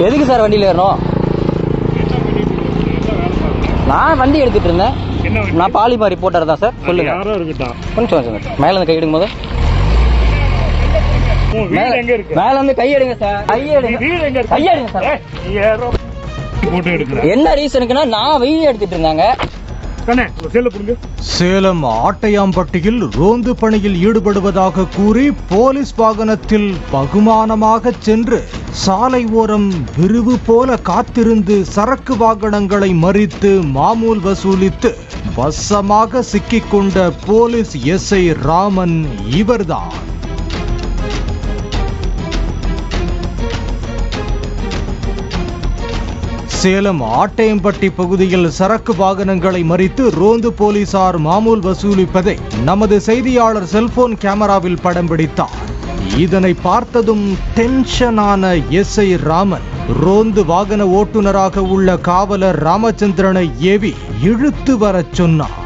எதுக்கு சார் வண்டியில் ஏறணும்? நான் வண்டி எடுத்துட்டு இருந்தேன். நான் பாலிமா ரிப்போர்ட்டர் தான் சார். சொல்லுங்க. கொஞ்சம் சார் மேலே இருந்து கை எடுக்கும் போது மேல இருந்து கை எடுங்க சார். கை எடுங்க சார். என்ன ரீசனுக்குன்னா நான் வீடியோ எடுத்துட்டு இருந்தாங்க. சேலம் ஆட்டையாம்பட்டியில் ரோந்து பணியில் ஈடுபடுவதாக கூறி போலீஸ் வாகனத்தில் பகுமானமாக சென்று சாலை ஓரம் விரிவு போல காத்திருந்து சரக்கு வாகனங்களை மறித்து மாமூல் வசூலித்து வசமாக சிக்கிக்கொண்ட போலீஸ் எஸ்ஐ ராமன் இவர்தான். சேலம் ஆட்டையம்பட்டி பகுதியில் சரக்கு வாகனங்களை மறித்து ரோந்து போலீசார் மாமூல் வசூலிப்பதை நமது செய்தியாளர் செல்போன் கேமராவில் படம் பிடித்தார். இதனை பார்த்ததும் டென்ஷனான எஸ்ஐ ராமன் ரோந்து வாகன ஓட்டுநராக உள்ள காவலர் ராமச்சந்திரனை ஏவி இழுத்து வரச் சொன்னார்.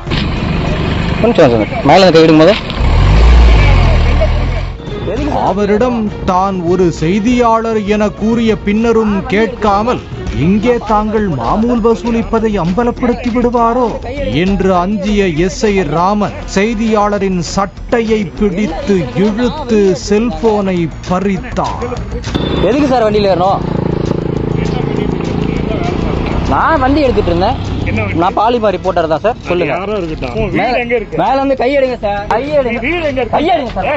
அவரிடம் தான் ஒரு செய்தியாளர் என கூறிய பின்னரும் கேட்காமல் இங்கே தாங்கள் மாமூல் வசூலிப்பதை அம்பலப்படுத்தி விடுவாரோ என்று அஞ்சிய எஸ்ஐ ராமன் செய்தியாளரின் சட்டையை பிடித்து இழுத்து செல்போனை பறித்தார். எதுக்கு சார் வண்டியில் ஏறணும்? நான் வண்டி எடுத்துட்டு இருந்தேன். நான் பாலிமா ரிப்போர்ட்டர் தான் சார். சொல்லுங்க. மேல இருந்து கை எடுங்க சார். கை எடுங்க சார்.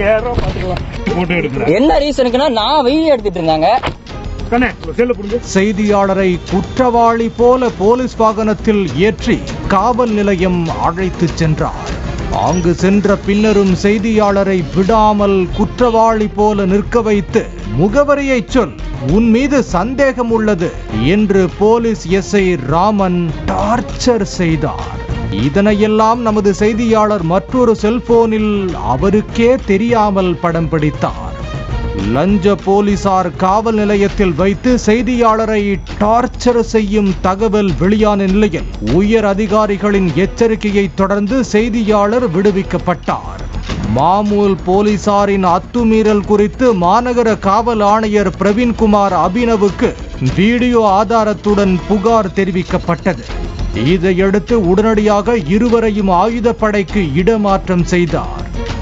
என்ன ரீசனுக்குன்னா நான் வீடியோ எடுத்துட்டு இருந்தாங்க. செய்தியாளரை குற்றவாளி போல போலீஸ் வாகனத்தில் ஏற்றி காவல் நிலையம் அழைத்து சென்றார். அங்கு சென்ற பின்னரும் செய்தியாளரை விடாமல் குற்றவாளி போல நிற்க வைத்து முகவரியை சொல், உன் மீது சந்தேகம் உள்ளது என்று போலீஸ் எஸ்ஐ ராமன் டார்ச்சர் செய்தார். இதனையெல்லாம் நமது செய்தியாளர் மற்றொரு செல்போனில் அவருக்கே தெரியாமல் படம் பிடித்தார். லஞ்ச போலீசார் காவல் நிலையத்தில் வைத்து செய்தியாளரை டார்ச்சர் செய்யும் தகவல் வெளியான நிலையில் உயர் அதிகாரிகளின் எச்சரிக்கையை தொடர்ந்து செய்தியாளர் விடுவிக்கப்பட்டார். மாமூல் போலீசாரின் அத்துமீறல் குறித்து மாநகர காவல் ஆணையர் பிரவீன்குமார் அபினவுக்கு வீடியோ ஆதாரத்துடன் புகார் தெரிவிக்கப்பட்டது. இதையடுத்து உடனடியாக இருவரையும் ஆயுதப்படைக்கு இடமாற்றம் செய்தார்.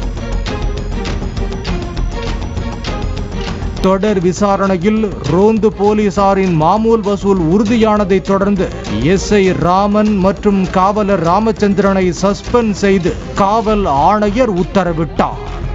தொடர் விசாரணையில் ரோந்து போலீசாரின் மாமூல் வசூல் உறுதியானதை தொடர்ந்து எஸ்ஐ ராமன் மற்றும் காவலர் ராமச்சந்திரனை சஸ்பெண்ட் செய்து காவல் ஆணையர் உத்தரவிட்டார்.